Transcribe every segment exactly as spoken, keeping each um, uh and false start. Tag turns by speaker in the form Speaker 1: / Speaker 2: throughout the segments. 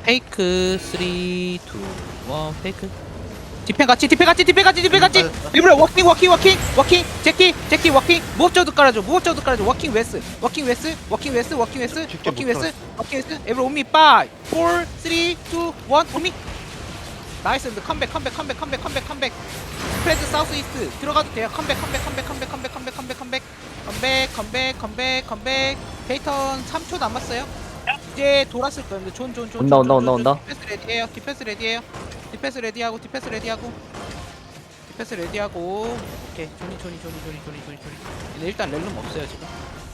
Speaker 1: 페이크 쓰리, 이, 일 페이크 디펜 같이 디펜 같이 디펜 같이 디펜 같이 리브레 워킹 워킹 워킹 워킹 제키 제키 워킹 무업저도 깔아줘 무업저도 깔아줘 워킹 웨스 워킹 웨스 워킹 웨스 워킹 웨스 워킹 웨스 워킹 웨스 에브리 온미 파이브 사 삼 이 일 온미 나이스 컴백 컴백 컴백 컴백 컴백 컴백 스프레드 사우스 이스트 들어가도 돼요 컴백 컴백 컴백 컴백 컴백 컴백 컴백 컴백 컴백 컴백 컴백 컴백 데이턴 삼 초 남았어요 이제 돌았을 거예요 존존존
Speaker 2: 온다, 온다, 온다, 온다.
Speaker 1: 디펜스 레디에요 디펜스 레디에요 디펜스 레디하고 디펜스 레디하고 디펜스 레디하고 오케이 조니 조니 조니 조니 조니 조니 조니 근데 일단 렐름 없어요 지금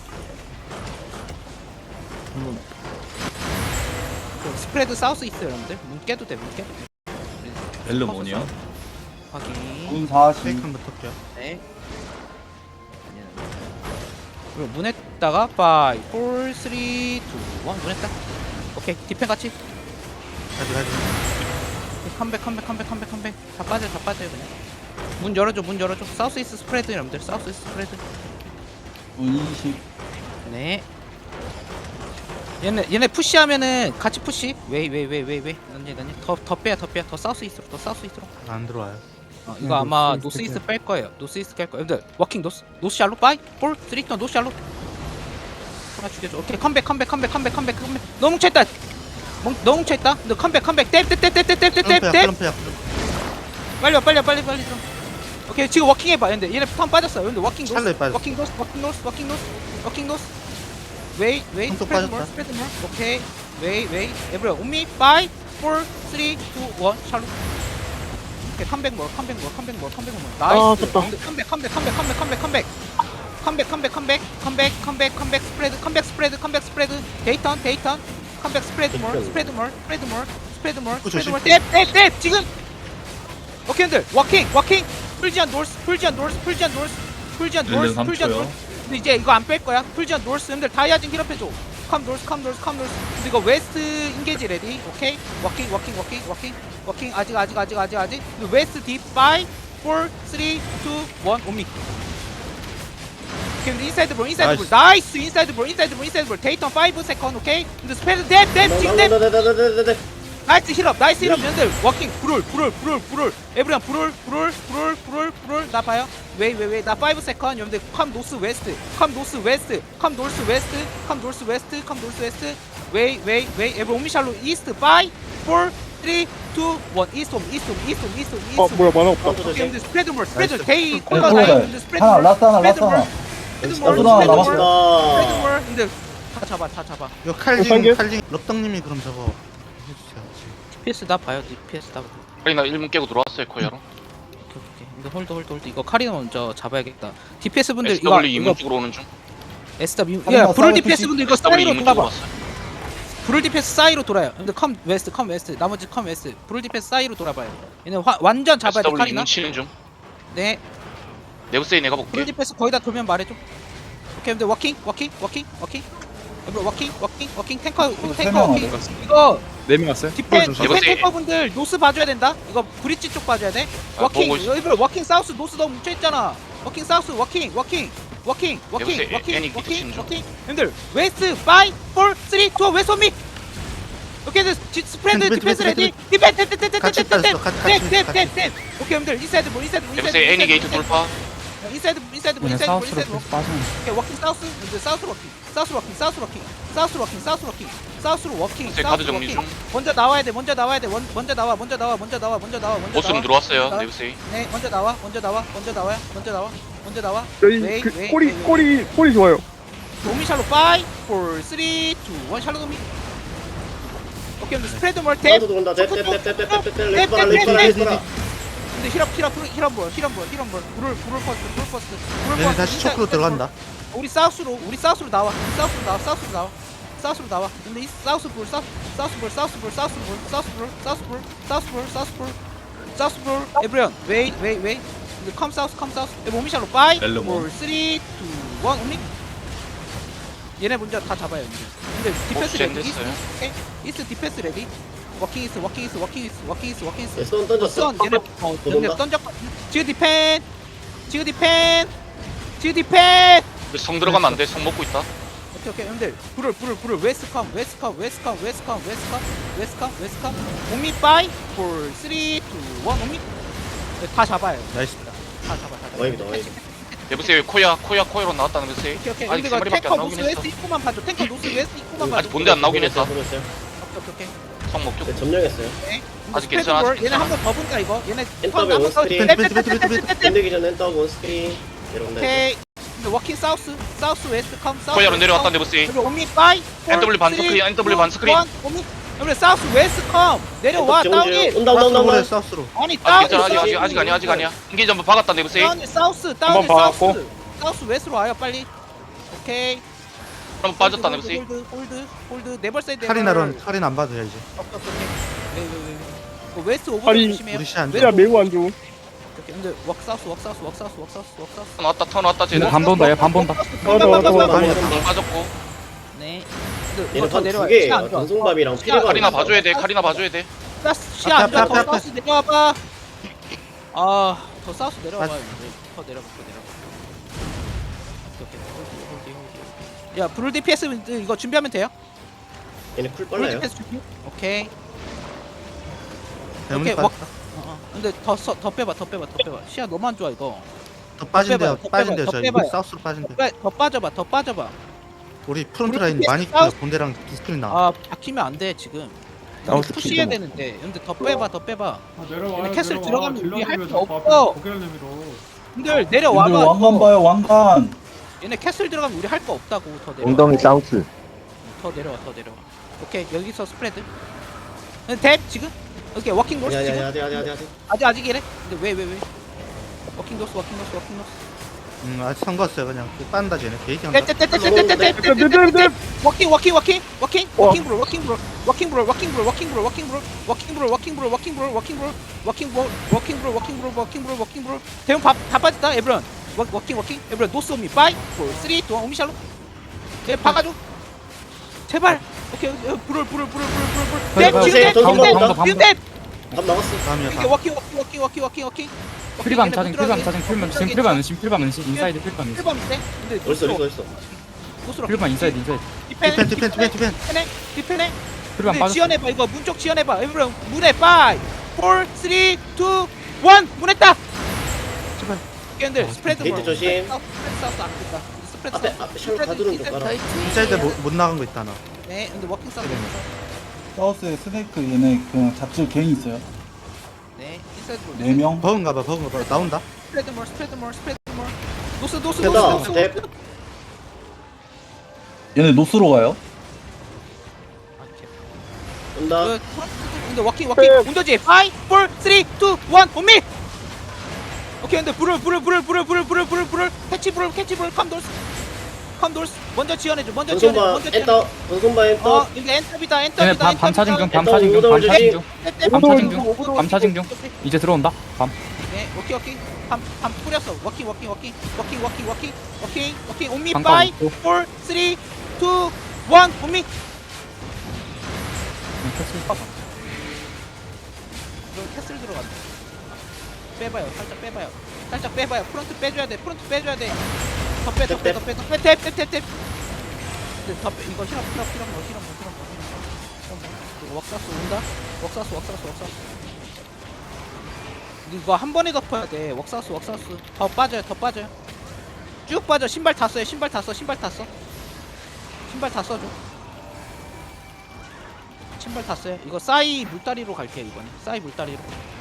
Speaker 2: 음.
Speaker 1: 그 스프레드 사우스 있어요 여러분들 문 깨도 돼문 깨도 돼
Speaker 3: 렐름 원이요?
Speaker 1: 확인
Speaker 4: 문 사십.
Speaker 5: 페이크 한번 털게요.
Speaker 1: 네 그리고 문에다가 오, 사, 삼, 이, 일 문에다 오케이 디펜 같이
Speaker 5: 가지 가지.
Speaker 1: 컴백 컴백 컴백 컴백 컴백 다 빠져 다 빠져요 그냥 문 열어줘 문 열어줘 사우스 이스트 스프레드 여러분들 사우스 이스트 스프레드
Speaker 4: 문 이십.
Speaker 1: 네 얘네 얘네 푸시하면은 같이 푸시 웨이 웨이 웨이 웨이 웨이 난지 난지 더더 빼야 더 빼야 더 사우스 이스트로 더 사우스 이스트로
Speaker 5: 안 들어와요.
Speaker 1: 어, 이거 아마 노스 이스트 뺄 거예요 노스 이스트 뺄 거예요 여러분들 워킹 노스 노스 샬로 파이 사, 삼, 이 노스 샬로 하나 죽여줘 오케이 컴백 컴백 컴백 컴백 컴백 컴백 너무 뭉쳐있다 멍, 너무 뭉쳐있다 너 컴백 컴백 뎁뎁뎁뎁뎁뎁뎁
Speaker 5: 플럼프야
Speaker 1: 빨리 와 빨리 와 빨리 빨리 좀 오케이 지금 워킹 해봐 근데 얘네 턴 빠졌어 근데 워킹 노스
Speaker 5: 찰나에 빠졌어.
Speaker 1: 워킹 노스 워킹 노스 워킹 노스 워킹 노스 웨이 웨이
Speaker 5: 턴 또
Speaker 1: 스프레드 몰
Speaker 5: 빠졌다.
Speaker 1: 스프레드 몰 오케이 웨이 웨이 에브리원 온미 파이브 사 삼 이 일 샬로 오케이 컴백 몰 컴백 몰 컴백 몰 컴백 몰 나이스 컴백 컴백 컴백 컴백 컴백 컴백 컴백 컴백 컴백 컴백 컴백 컴백 스프레드 컴백 스프레드 컴백 스프레드 데이턴 데이턴 컴백 스프레드 몰 스프레드 몰 스프레드 몰 스프레드 몰 스프레드 몰 뎁뎁뎁 지금 오케이 형들 워킹 워킹 풀지안 노스 풀지안 노스 풀지안 노스 풀지안
Speaker 3: 렐름
Speaker 1: 노스
Speaker 3: 삼
Speaker 1: 풀지안
Speaker 3: 초요.
Speaker 1: 노스 근데 이제 이거 안 뺄 거야 풀지안 노스 형들 다이아진 힐업해줘 컴 노스 컴 노스 컴 노스 근데 이거 웨스트 인게지 레디 오케이 워킹 워킹 워킹 워킹 워킹 아직 아직 아직 아직 아직 근데 웨스트 딥 파이브 사 삼 이 일 온미 오케이 근데 인사이드 볼 인사이드 볼 나이스 인사이드 볼 인사이드 볼 인사이드 볼 데이턴 오 세컨드 오케이 근데 스페드 뎁뎁 지금 뎁 나이스 힐업 나이스 힐업 년들 워킹 불을 불을 불을 불을 에브리언 불을 불을 불을 불을 불을 나 봐요 웨이 웨이 웨이 나 오 세컨드 여러분들 컴 노스 웨스트 컴 노스 웨스트 컴 노스 웨스트 컴 노스 웨스트 컴 노스 웨스트 웨이 웨이 웨이 에브리 오미샬로 이스트 파이브 사 삼 이 일 이스트 옴 이스트 옴 이스트 옴 이스트 옴 이스트
Speaker 6: 어
Speaker 1: 옴
Speaker 6: 뭐야 만화 없다.
Speaker 1: 오케이 여러분들 스프레드 몰 스프레드
Speaker 5: 나이스.
Speaker 1: 데이
Speaker 4: 네,
Speaker 1: 콜러
Speaker 4: 콜러
Speaker 1: 나이
Speaker 4: 나이.
Speaker 1: 여러분들 스프레드
Speaker 4: 하나
Speaker 1: 몰
Speaker 4: 라스트 하나
Speaker 1: 스프레드
Speaker 4: 라스트
Speaker 1: 몰
Speaker 4: 하나.
Speaker 1: 스프레드
Speaker 4: 라스트
Speaker 1: 몰
Speaker 4: 하나
Speaker 1: 스프레드 몰
Speaker 4: 남았어.
Speaker 1: 스프레드 몰 근데 다 잡아 다 잡아
Speaker 5: 이거
Speaker 6: 어,
Speaker 5: 칼징
Speaker 6: 빨개?
Speaker 5: 칼징 럽덕님이 그럼 저거 해주세요.
Speaker 1: 디피에스 다 봐요 디피에스 다
Speaker 7: 아니 나 일 문 깨고 들어왔어요 코야로.
Speaker 1: 오케이 오케이 이거 홀드 홀드 홀드 이거 카리나 먼저 잡아야겠다 디피에스 분들 이거
Speaker 7: 에스더블유
Speaker 1: 이거
Speaker 7: 이문 쪽으로 오는 중.
Speaker 1: 에스더블유
Speaker 4: 카리나
Speaker 1: 야 불을
Speaker 4: 사이드
Speaker 1: 디피에스
Speaker 4: 푸시.
Speaker 1: 분들 이거
Speaker 7: 에스더블유
Speaker 1: 사이로
Speaker 7: 이문 쪽으로
Speaker 1: 돌아봐
Speaker 7: 왔어요.
Speaker 1: 불을 디피에스 사이로 돌아요 근데 컴 웨스트 컴 웨스트 나머지 컴 웨스트 불을 디피에스 사이로 돌아봐요 얘네 화, 완전 잡아야 돼
Speaker 7: 에스더블유
Speaker 1: 카리나
Speaker 7: 이문 치는 중.
Speaker 1: 네
Speaker 7: 네오세이 내가
Speaker 1: 불을
Speaker 7: 볼게.
Speaker 1: 디피에스 거의 다 돌면 말해줘 오케이 근데 워킹 워킹 워킹 워킹 여러분 워킹 워킹 워킹 탱커
Speaker 4: 세
Speaker 1: 탱커
Speaker 4: 명
Speaker 1: 워킹
Speaker 4: 왔어.
Speaker 1: 이거
Speaker 6: 네명 왔어요.
Speaker 1: 디펜
Speaker 6: 좀
Speaker 1: 디펜
Speaker 7: 이거
Speaker 1: 탱커분들 노스 봐줘야 된다. 이거 브릿지 쪽 봐줘야 돼.
Speaker 7: 아,
Speaker 1: 워킹
Speaker 7: 보고 있어.
Speaker 1: 여기들 워킹 사우스 노스 너무 뭉쳐 있잖아. 워킹 사우스 워킹 워킹 워킹 워킹
Speaker 7: 여보세요,
Speaker 1: 워킹
Speaker 7: 애니 밑에
Speaker 1: 워킹
Speaker 7: 치는 중.
Speaker 1: 워킹. 형들 웨스트 파이브 사 삼 이 일 웨스트 온미. 오케이 그 스프레드
Speaker 5: 벤,
Speaker 1: 디펜스
Speaker 5: 벤, 벤,
Speaker 1: 레디 디펜 디펜 디펜
Speaker 5: 같이
Speaker 1: 디펜 디펜
Speaker 5: 빠졌어, 같이, 같이,
Speaker 1: 디펜
Speaker 5: 같이.
Speaker 1: 디펜 디펜. 오케이 형들 인사이드 볼 인사이드 볼
Speaker 7: 네오세이 애니 게이트 돌파.
Speaker 1: 인사이드 인사이드 볼 인사이드 볼 인사이드 볼.
Speaker 4: 빠지는.
Speaker 1: 오케이 워킹 사우스 근데 사우스 워킹 사우스 워킹 사우스 워킹 사우스 워킹 사우스 워킹 사우스로 워킹
Speaker 7: 네오세이
Speaker 1: 사우스
Speaker 7: 카드 정리
Speaker 1: 워킹.
Speaker 7: 중.
Speaker 1: 먼저 나와야 돼 먼저 나와야 돼 원, 먼저 나와 먼저 나와 먼저 나와 먼저 나와 먼저
Speaker 7: 보스룸
Speaker 1: 나와
Speaker 7: 들어왔어요.
Speaker 1: 나와.
Speaker 7: 네오세이.
Speaker 1: 네 먼저 나와 먼저 나와 먼저 나와 먼저 나와 먼저 나와
Speaker 6: 여기
Speaker 1: 웨이,
Speaker 6: 그
Speaker 1: 웨이,
Speaker 6: 꼬리
Speaker 1: 웨이, 웨이.
Speaker 6: 꼬리 꼬리 좋아요.
Speaker 1: 도미 샬로 파이브 사 삼 이 일 샬로 도미 오케이 근데 스프레드 멀테
Speaker 8: 나도 들어온다. 렛let렛let렛렛렛
Speaker 1: 근데 힐업 힐업 힐업 볼 힐업 볼 힐업 볼 불을 불을 퍼스트 불을 퍼스트 불을
Speaker 5: 얘네
Speaker 1: 퍼스트
Speaker 5: 다시
Speaker 1: 인사이드
Speaker 5: 초크로 들어간다.
Speaker 1: 우리 사우스로 우리 사우스로 나와 우리 사우스로 나와 사우스로 나와 사우스로 나와 근데 이 사우스 볼 사우스 사우스 볼 사우스 볼 사우스 볼 사우스 볼 사우스 볼 사우스 볼 사우스 볼 사우스 볼 에브리언 웨이 웨이 웨이 근데 컴 사우스 컴 사우스 모미샬로 파이브
Speaker 3: 렐름 원.
Speaker 1: 사 삼 이 일 온리 얘네 먼저 다 잡아요 이제 근데 디펜스
Speaker 7: 젠
Speaker 1: 레디 이스트
Speaker 7: 됐어요.
Speaker 1: 오케이 이스트 디펜스 레디 워킹 이스트 워킹 이스트 워킹 이스트 워킹 이스트 워킹 이스트
Speaker 8: 손 던졌어.
Speaker 1: 선 얘네 어
Speaker 8: 또
Speaker 1: 얘네
Speaker 8: 돈다.
Speaker 1: 던졌거든 지금 디펜 지금 디펜 지금 디펜
Speaker 7: 근데 성 들어가면 안 돼. 성 먹고 있다.
Speaker 1: 오케이 오케이 형들 불을 불을 불을 웨스컴 웨스컴 웨스컴 웨스컴 웨스컴 웨스컴 웨스컴 오미 파이 사 삼 이 일 오미 네, 다 잡아요.
Speaker 5: 나이스.
Speaker 1: 다 잡아 다 잡아.
Speaker 8: 와입니다 와입.
Speaker 7: 네브세이 코야 코야 코야로 나왔다는 메시지.
Speaker 1: 오케이 오케이
Speaker 7: 아직
Speaker 1: 근데
Speaker 7: 세
Speaker 1: 이거
Speaker 7: 마리밖에
Speaker 1: 탱커
Speaker 7: 안 나오긴
Speaker 1: 노스
Speaker 7: 했어.
Speaker 1: 웨스트 입구만 봐줘. 탱커 노스 웨스트 입구만 봐줘.
Speaker 7: 아직 본대 안 나오긴 했다.
Speaker 8: 보고 있어요.
Speaker 1: 오케이 오케이
Speaker 7: 성목 쪽.
Speaker 8: 네, 점령했어요.
Speaker 1: 오케이.
Speaker 7: 아직
Speaker 1: 스프레드
Speaker 7: 괜찮아,
Speaker 1: 볼.
Speaker 7: 아직
Speaker 1: 얘네
Speaker 7: 괜찮아.
Speaker 1: 한 번 더 본다 이거. 얘네
Speaker 8: 엔터베
Speaker 1: 한번 더
Speaker 8: 원스크린.
Speaker 1: 떼, 떼, 떼, 떼, 떼, 떼, 떼, 떼.
Speaker 8: 끝내기 전에 엔터 원스크린. 내려온다.
Speaker 1: 오케이. 근데 워킹 사우스 사우스 웨스트 컴 사우스.
Speaker 7: 코야로 내려왔다 네브세이.
Speaker 1: 그리고 오미 파이
Speaker 7: 엔더블유 반 스크린, 엔더블유 반 스크린.
Speaker 1: 오미 그래 사우스 웨스트 컴 내려와
Speaker 8: 엔터
Speaker 1: 다운이.
Speaker 8: 정주. 온다 온다 온다
Speaker 5: 사우스로 해,
Speaker 8: 온다.
Speaker 5: 사우스로.
Speaker 1: 아니
Speaker 7: 아직
Speaker 1: 다운이
Speaker 7: 괜찮아 아직 아직 아직 아니야 아직 아니야. 인기 전부 박았다 네브세이.
Speaker 1: 다운이 사우스 다운이 사우스 사우스 웨스트로 와요 빨리. 오케이.
Speaker 7: 그럼 빠졌다
Speaker 1: 홀드,
Speaker 7: 네브세이.
Speaker 1: 홀드 홀드 홀드 네벌 사이드.
Speaker 5: 카리나론 카린 안 봐도 돼 이제.
Speaker 1: 오케이 오케이. 네, 네, 네. 그 웨스트 오버
Speaker 2: 아니,
Speaker 1: 조심해요.
Speaker 5: 우리 시안
Speaker 1: 웨스트
Speaker 2: 매우 안 좋음.
Speaker 1: 오케이, 근데 웍 사우스 웍 사우스 웍 사우스 웍 사우스 웍 사우스.
Speaker 7: 턴 왔다 턴 왔다 쟤네.
Speaker 1: 반 본다, 얘반 본다.
Speaker 2: 맞아, 맞아, 맞아.
Speaker 7: 방 빠졌고.
Speaker 1: 네. 근데
Speaker 8: 얘는
Speaker 1: 이거 더
Speaker 8: 한두
Speaker 1: 내려와.
Speaker 8: 개.
Speaker 1: 시야 안 좋아.
Speaker 8: 단송밥이랑
Speaker 1: 어, 시야-
Speaker 8: 피리밥.
Speaker 7: 카리나 봐줘야 돼 카리나 봐줘야 돼.
Speaker 1: 사우스 시야 안
Speaker 5: 앞에,
Speaker 1: 좋아.
Speaker 5: 앞에,
Speaker 1: 더
Speaker 5: 앞에.
Speaker 1: 사우스 내려와봐. 아, 더 사우스 내려와봐.
Speaker 5: 맞-
Speaker 1: 더 내려가, 더 내려가. 오케이, 오케이. 홀드, 홀드, 홀드. 야, 브룰 디피에스 이거 준비하면 돼요?
Speaker 8: 얘네 쿨
Speaker 1: 브룰
Speaker 8: 빨라요.
Speaker 1: 디피에스 준비. 오케이.
Speaker 5: 대문이
Speaker 1: 오케이,
Speaker 5: 빠졌다.
Speaker 1: 어, 어. 근데 더, 써, 더 빼봐, 더 빼봐, 더 빼봐. 시야 너무 안 좋아 이거.
Speaker 5: 더 빠진대요.
Speaker 1: 더 빼봐요,
Speaker 5: 빠진대요.
Speaker 1: 더
Speaker 5: 저
Speaker 1: 빼봐요.
Speaker 5: 사우스로 빠진대.
Speaker 1: 빼, 더 빠져봐, 더 빠져봐.
Speaker 5: 우리 프론트
Speaker 1: 우리
Speaker 5: 라인 많이
Speaker 1: 사우스-
Speaker 5: 본대랑 디스플레이 나와.
Speaker 1: 아, 박히면 안 돼 지금.
Speaker 2: 사우스
Speaker 1: 푸시해야
Speaker 2: 킬좀.
Speaker 1: 되는데. 근데 더 빼봐, 더 빼봐.
Speaker 6: 아, 내려와요.
Speaker 1: 얘네 캐슬
Speaker 6: 내려와.
Speaker 1: 들어가면 우리 할거
Speaker 6: 딜러들이
Speaker 1: 없어.
Speaker 6: 고개를 내밀어.
Speaker 1: 근데 내려와봐.
Speaker 4: 근데 왕관 봐요 왕관.
Speaker 1: 얘네 캐슬 들어가면 우리 할 거 없다고. 더 내려와.
Speaker 9: 엉덩이 사우스.
Speaker 1: 더 내려와, 더 내려와. 오케이, 여기서 스프레드. 탭 지금? 오케이, 워킹 노스
Speaker 8: 아니 아니
Speaker 1: 지금?
Speaker 8: 아니 아니 아니 아니.
Speaker 1: 아직 아직 이래? 근데 왜 왜 왜? 워킹 노스, 워킹 노스, 워킹 노스.
Speaker 5: 음 아직 선거했어요 그냥. 빤다 쟤네. 게이지 한다.
Speaker 1: 떼떼떼떼떼떼떼떼떼떼떼떼. 워킹, 워킹, 워킹, 워킹,
Speaker 2: 어.
Speaker 1: 워킹 브롤, 워킹 브롤, 워킹 브롤, 워킹 브롤, 워킹 브롤, 워킹 브롤, 워킹 브롤, 워킹 브롤, 워킹 브롤, 워킹 브롤, 워킹 브롤, 워킹 브롤, 워킹 브롤, 워킹 브롤, 워킹 브롤. 대형 다 빠졌다, 에브런. 워- 워킹, 워킹, 에브런. 노스 오미, 파이, 사, 삼, 이, 일, 오미샬로. 얘 박아줘. 제발. 오케이, 어, 브롤, 브롤, 브롤, 브롤, 브롤, 브롤. 탭, 지금 탭, 지금 탭, 지금 탭.
Speaker 8: 답 나갔어.
Speaker 5: 다음이야
Speaker 1: 이게
Speaker 5: 다음.
Speaker 1: 워킹, 워킹, 워킹, 워킹, 워킹, 워킹.
Speaker 10: 프리밤 차징 프리밤 차징 프리밤 지금 프리밤 은신 프리밤 은신 인사이드 프리밤 은신
Speaker 1: 필밤 있대. 근데
Speaker 8: 어딨어 어딨어 어딨어.
Speaker 1: 노스로.
Speaker 10: 프리밤 인사이드 인사이드
Speaker 1: 디펜,
Speaker 5: 디펜 디펜 디펜 디펜.
Speaker 1: 디펜해, 디펜해.
Speaker 10: 프리밤
Speaker 1: 근데
Speaker 10: 빠졌어
Speaker 1: 지연해봐 이거 문 쪽 지연해봐. 에브런 문에 파이, 사, 삼, 이, 일 문했다.
Speaker 5: 제발.
Speaker 1: 걔들 스프레드
Speaker 8: 게이트
Speaker 1: 볼.
Speaker 8: 조심.
Speaker 1: 사우스, 스프레드 사우스 안 된다. 스프레드
Speaker 8: 앞에
Speaker 1: 사우스.
Speaker 8: 앞에 샬롯 가두는 좀 깔아.
Speaker 5: 인사이드 못, 못 나간 거 있다 나.
Speaker 1: 네, 근데 워킹 사우스.
Speaker 4: 사우스에 스네이크 얘네 그냥 잡질 개인 있어요.
Speaker 1: 네, 인사이드 볼.
Speaker 4: 네 명.
Speaker 5: 버그인가 봐 버그인가 봐. 나온다.
Speaker 1: 스프레드 몰, 스프레드 몰, 스프레드 몰. 노스, 노스, 노스,
Speaker 8: 됐다.
Speaker 1: 노스.
Speaker 8: 탭.
Speaker 4: 얘네 노스로 가요.
Speaker 1: 아, 오케이.
Speaker 8: 온다.
Speaker 1: 그, 근데 워킹 워킹 운더지 오, 사, 삼, 이, 일 온미. 오케이 근데 불을 불을 불을 불을 불을 불을 불을 불을 캐치 불을 캐치 불을 컴돌스 컴돌스 먼저 지원해줘 먼저 지원해줘
Speaker 8: 전손바
Speaker 1: 먼저 지원해줘.
Speaker 8: 엔터. 전손바 엔터.
Speaker 1: 어 이거 엔터비다 엔터비다
Speaker 10: 얘네 밤, 밤 차징 중 밤
Speaker 8: 일단
Speaker 10: 차징 중 밤
Speaker 8: 오더를
Speaker 10: 차징
Speaker 8: 주지.
Speaker 10: 중 밤 차징 중 밤 차징 중 이제 들어온다 밤
Speaker 1: 네 워킹 워킹 밤밤 뿌렸어 워킹 워킹 워킹 워킹 워킹 워킹 워킹 워킹 온미
Speaker 10: 잠깐
Speaker 1: 파이
Speaker 10: 있고.
Speaker 1: 사, 삼, 이, 일 온미
Speaker 10: 응, 캐슬.
Speaker 1: 이거 캐슬 들어간다. 빼봐요. 살짝 빼봐요. 살짝 빼봐요. 프론트 빼줘야 돼. 프론트 빼줘야 돼. 더 빼, 더 빼, 더 빼, 더 빼, 탭, 탭, 탭, 탭. 근데 더 빼. 이거 힐업, 힐업, 힐업, 힐업, 힐업, 힐업, 힐업. 이거 웍사스 온다. 웍사스, 웍사스, 웍사스. 이거 한 번에 덮어야 돼. 웍사스, 웍사스. 더 빠져요. 더 빠져요. 쭉 빠져. 신발 다 써요. 신발 다 써. 신발 다 써. 신발 다 써줘. 신발 다 써요. 이거 싸이 물다리로 갈게요 이번에. 싸이 물다리로.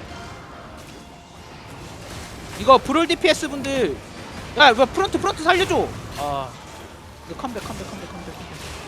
Speaker 1: 이거 브롤 디피에스 분들 야 이거 프론트 프론트 살려줘. 아 이거 컴백 컴백 컴백 컴백 컴백.